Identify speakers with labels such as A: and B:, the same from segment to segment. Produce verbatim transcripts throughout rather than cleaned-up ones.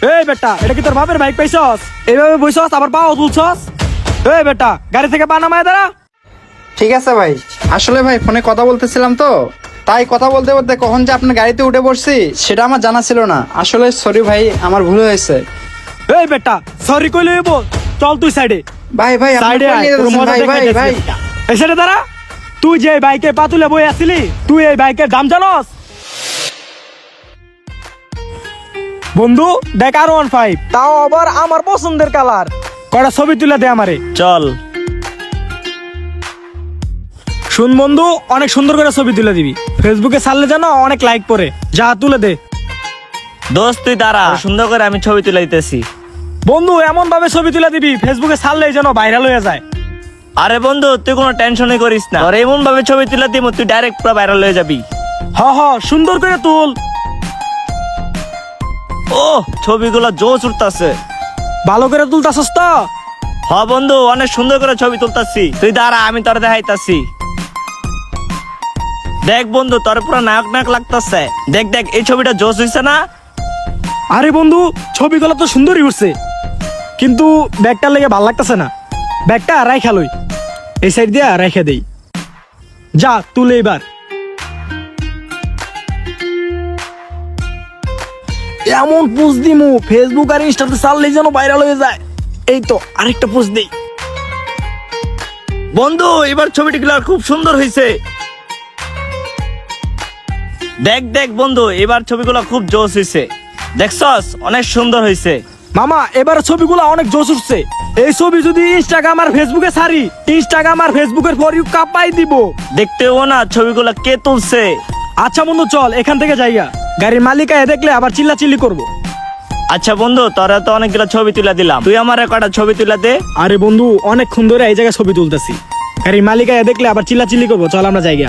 A: এই বেটা, এটা কি তোর বাপের বাইক পাইছস? এইভাবে বইছস আবার পাও তুলছস? এই বেটা, গাড়ি থেকে পা নামায় দাঁড়া।
B: ঠিক আছে ভাই, আসলে ভাই ফোনে কথা বলতেছিলাম তো, তাই কথা বলতে বলতে কখন যে আপনার গাড়িতে উঠে পড়ছি সেটা আমার জানা ছিল না। আসলে সরি ভাই, আমার ভুল হয়েছে।
A: এই বেটা, সরি কইলে হইব? চল তুই সাইডে।
B: ভাই ভাই আপনি
A: সাইডে
B: কই
A: আয়,
B: নিয়ে
A: তোর
B: যাচ্ছেন?
A: মজা
B: ভাই ভাই
A: দেখাইতেছি
B: ভাই
A: একটা। এই সাইডে দাঁড়া। তুই যে এই বাইকে পা তুলে বই আসিলি, তুই এই বাইকের দাম জানস? বন্ধু দেখ, আর ওয়ান ফাইভ, তাও আবার আমার পছন্দের কালার। কয়টা ছবি তুলে দে আমারে।
C: চল।
A: শুন বন্ধু, অনেক সুন্দর করে ছবি তুলে দিবি, ফেসবুকে ছাড়লে যেন অনেক লাইক পড়ে। যা তুলে দে।
C: দোস্ত তুই দাঁড়া, সুন্দর করে আমি ছবি তুলে দিতেছি।
A: বন্ধু এমন ভাবে ছবি তুলে দিবি ফেসবুকে ছাড়লেই যেন ভাইরাল হয়ে যায়।
C: আরে বন্ধু তুই কোনো টেনশনই করিস না, আর এমন ভাবে ছবি তুলে দিব তুই ডাইরেক্ট পুরো ভাইরাল হয়ে যাবি।
A: হ হ, সুন্দর করে তুল।
C: ও ছবিগুলো জোশ উঠতাছে।
A: ভালো করে তুলতাছস তো?
C: হ বন্ধু, অনেক সুন্দর করে ছবি তুলতাছি। তুই দাঁড়া, আমি তোর দেখাইতাছি। দেখ বন্ধু, তোর পুরো নায়ক নায়ক লাগতাছে। দেখ দেখ, এই ছবিটা জোশ হইছে না?
A: আরে বন্ধু, ছবিগুলো তো সুন্দরই উঠছে, কিন্তু ব্যাগটার লেগে ভাল লাগতেছে না। ব্যাগটা রাইখা লই, এই সাইড দিয়া রাইখা দেই। যা তুলে এবার। এমন পোস্ট দিমু ফেসবুক আর ইনস্টাতে ছাড়লেই যেন ভাইরাল হয়ে যায়। এই তো আরেকটা পোস্ট দেই।
C: বন্ধু এবার ছবিটি খুব সুন্দর হয়েছে। দেখ দেখ বন্ধু, এবার ছবিগুলো খুব জোশ হয়েছে। দেখছস, অনেক সুন্দর হয়েছে।
A: মামা এবার ছবিগুলো অনেক জোশ উঠছে। এই ছবি যদি ইনস্টাগ্রাম আর ফেসবুকে ছাড়ি, ইনস্টাগ্রাম আর ফেসবুকের ফর ইউ কাপাই দিব।
C: দেখতেও না ছবিগুলো কে তুলছে।
A: আচ্ছা বন্ধু চল এখান থেকে যাইয়া, গাড়ির মালিক আয় দেখলে আবার চিল্লা চিল্লি করবো।
C: আচ্ছা বন্ধু, তোরা তো অনেকগুলো ছবি তুলে দিলাম, তুই আমার কটা ছবি তুলে দে।
A: আরে বন্ধু অনেকক্ষণ ধরে এই জায়গায় ছবি তুলতেছি, গাড়ির মালিক আয় দেখলে আবার চিল্লা চিল্লি করবো। চল আমরা যাইয়া।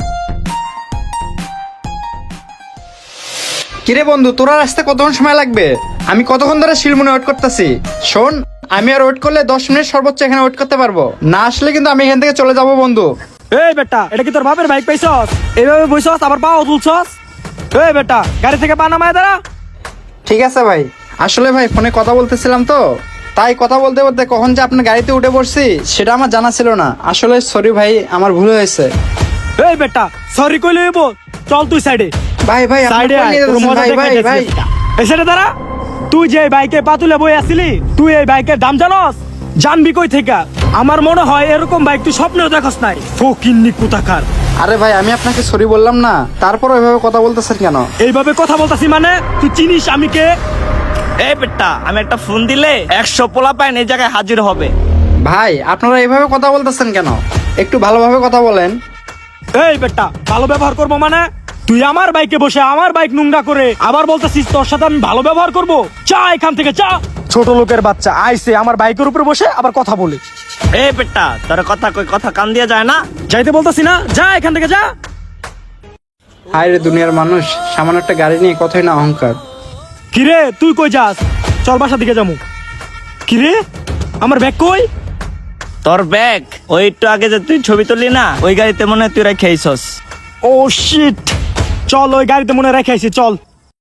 B: কিরে বন্ধু, তোরা আসতে কতক্ষণ সময় লাগবে? আমি কতক্ষণ ধরে শিলমনে ওয়েট করতেছি। শোন, আমি আর ওয়েট করলে দশ মিনিট সর্বোচ্চ এখানে ওয়েট করতে পারবো না। আসলে কিন্তু আমি এখান থেকে চলে যাবো বন্ধু।
A: এই বেটা, এটা কি তোর বাপের বাইক পাইছস? এইভাবে বইছস আবার পাও তুলছস? এই বেটা, গাড়ি থেকে পা নামায় দাঁড়া।
B: ঠিক আছে ভাই, আসলে ভাই ফোনে কথা বলতেছিলাম তো, তাই কথা বলতে বলতে কখন যে আপনার গাড়িতে উঠে পড়ছি সেটা আমার জানা ছিল না। আসলে সরি ভাই, আমার ভুল হয়েছে।
A: এই বেটা, সরি কইলে হইব? চল তুই সাইডে।
B: ভাই ভাই আপনি
A: সাইডে
B: কই
A: আয়,
B: নিয়ে
A: তোর
B: যাচ্ছেন?
A: মজা
B: ভাই ভাই
A: দেখাইতেছি
B: ভাই
A: একটা। এই সাইডে দাঁড়া। তুই যে এই বাইকে পা তুলে বই আসিলি, তুই এই বাইকের দাম জানস? জানবি কই থেকে? আমার মনে হয় এরকম বাইক তুই স্বপ্নেও দেখস নাই। ফকিন্নি কোথাকার।
B: আরে ভাই, আমি আপনাকে সরি বললাম না, তারপর ওইভাবে কথা বলতেছেন কেন?
A: এইভাবে কথা বলতাছি মানে? তুই চিনিস আমি কে?
C: এই বেটা, আমি একটা ফোন দিলে একশো পোলা পাইন এই জায়গায় হাজির হবে।
B: ভাই আপনারা এইভাবে কথা বলতেছেন কেন? একটু ভালোভাবে কথা বলেন।
A: এই বেটা, ভালো ব্যবহার করবো মানে? তুই আমার বাইকে বসে আমার বাইক নোংরা করে আবার বলতেছিস তোর সাথে আমি ভালো ব্যবহার করব? চা এখান থেকে চা। ছোট লোকের বাচ্চা আইছে আমার বাইকের উপরে বসে আবার কথা বলে।
C: এই বেটা, তোর কথা কই কথা কান দিয়ে যায় না?
A: যাইতে বলতাছি না, যা এখান থেকে যা।
B: হায় রে দুনিয়ার মানুষ, সামান্য একটা গাড়ি নিয়ে কথাই না অহংকার।
A: কিরে তুই কই যাস? চল বাসা দিকে যাবো। কিরে আমার ব্যাগ কই?
C: তোর ব্যাগ ওই একটু আগে যে তুই ছবি তুললি না, ওই গাড়িতে মনে হয় তুই রেখে আইছস।
A: ও শিট, চল ওই গাড়িতে মনে রেখে আইছি, চল।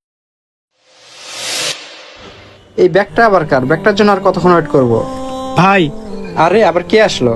B: এই ব্যাগটা আবার কার? ব্যাগটার জন্য আর কতক্ষণ ওয়েট করব?
A: ভাই
B: আরে আবার কে আসলো?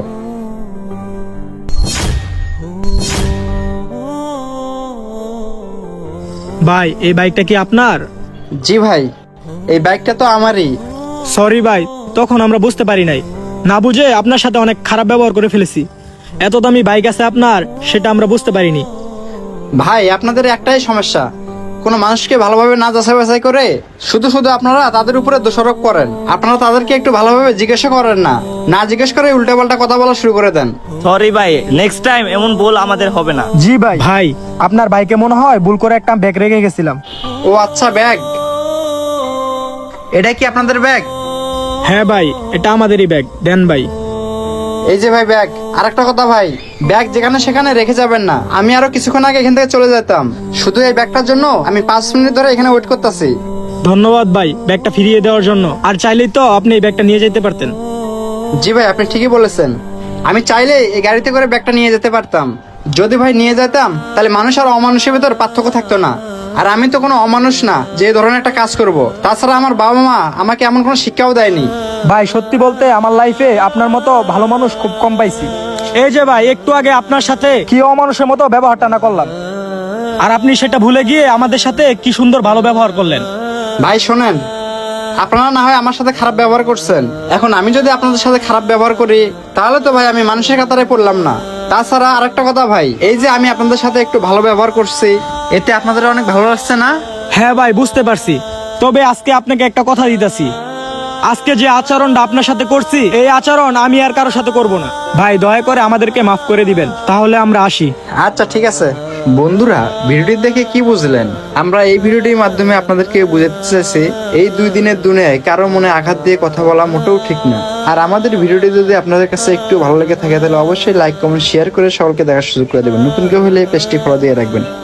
A: ভাই এই বাইকটা কি আপনার?
B: জি ভাই, এই বাইকটা তো আমারই।
A: সরি ভাই, তখন আমরা বুঝতে পারি নাই, না বুঝে আপনার সাথে অনেক খারাপ ব্যবহার করে ফেলেছি। এত দামি বাইক আছে আপনার, সেটা আমরা বুঝতে পারিনি।
B: ভাই আপনাদের একটাই সমস্যা, কোনো মানুষকে ভালোভাবে না যাচাই বাছাই করে শুধু শুধু আপনারা তাদের উপরে দোষারোপ করেন। আপনারা তাদেরকে একটু ভালোভাবে জিজ্ঞাসা করেন না, না জিজ্ঞেস করে উল্টাপাল্টা কথা বলা শুরু করে দেন।
C: সরি ভাই, নেক্সট টাইম এমন ভুল আমাদের হবে না।
A: জি ভাই। ভাই আপনার বাইকে মনে হয় ভুল করে একটা ব্যাগ রেখে গেছিলাম।
B: ও আচ্ছা, ব্যাগ। এটা কি আপনাদের ব্যাগ?
A: হ্যাঁ ভাই, এটা আমাদেরই ব্যাগ, দেন ভাই।
B: এই যে ভাই ব্যাগ। আর একটা কথা ভাই, ব্যাগ যেখানে সেখানে রেখে যাবেন না। আমি আরো কিছুক্ষণ আগে এখান থেকে চলে যেতাম, শুধু এই ব্যাগটার জন্য আমি পাঁচ মিনিট ধরে এখানে ওয়েট করতেছি।
A: ধন্যবাদ ভাই ব্যাগটা ফিরিয়ে দেওয়ার জন্য। আর চাইলেই তো আপনি এই ব্যাগটা নিয়ে যেতে পারতেন।
B: জি ভাই, আপনি ঠিকই বলেছেন। আমি চাইলে এই গাড়িতে করে ব্যাগটা নিয়ে যেতে পারতাম। যদি ভাই নিয়ে যেতাম তাহলে মানুষ আর অমানুষের ভিতর পার্থক্য থাকতো না। আর আমি তো কোনো অমানুষ না যে এই ধরনের একটা কাজ করব। তাছাড়া আমার বাবা মা আমাকে এমন কোনো শিক্ষাও দেয়নি।
A: ভাই সত্যি বলতে আমার লাইফে আপনার মতো ভালো মানুষ খুব কম পাইছি। এই যে ভাই একটু আগে আপনার সাথে কি অমানুষের মতো ব্যবহারটা না করলাম, আর আপনি সেটা ভুলে গিয়ে আমাদের সাথে কি সুন্দর ভালো ব্যবহার করলেন।
B: ভাই শোনেন, আপনারা না হয় আমার সাথে খারাপ ব্যবহার করছেন, এখন আমি যদি আপনাদের সাথে খারাপ ব্যবহার করি তাহলে তো ভাই আমি মানুষের কাতারে পড়লাম না। তাছাড়া আরেকটা কথা ভাই, এই যে আমি আপনাদের সাথে একটু ভালো ব্যবহার করছি, এতে আপনাদের অনেক ভালো লাগছে না?
A: হ্যাঁ ভাই বুঝতে পারছি, তবে আজকে আপনাকে একটা কথা দিতেছি, আজকে যে আচরণটা আপনার সাথে করছি এই আচরণ আমি আর কারোর সাথে করব না। ভাই দয়া করে আমাদেরকে মাফ করে দিবেন, তাহলে আমরা আসি।
B: আচ্ছা ঠিক আছে। বন্ধুরা, ভিডিওটি দেখে কি বুঝলেন? আমরা এই ভিডিওটির মাধ্যমে আপনাদেরকে বুঝাতে চেয়েছি এই দুই দিনের দুনিয়ায় কারো মনে আঘাত দিয়ে কথা বলা মোটেও ঠিক না। আর আমাদের ভিডিওটি যদি আপনাদের কাছে একটু ভালো লেগে থাকে তাহলে অবশ্যই লাইক কমেন্ট শেয়ার করে সকলকে দেখার সুযোগ করে দেবেন। নতুন কেউ হলে পেজটি ফলো দিয়ে রাখবেন।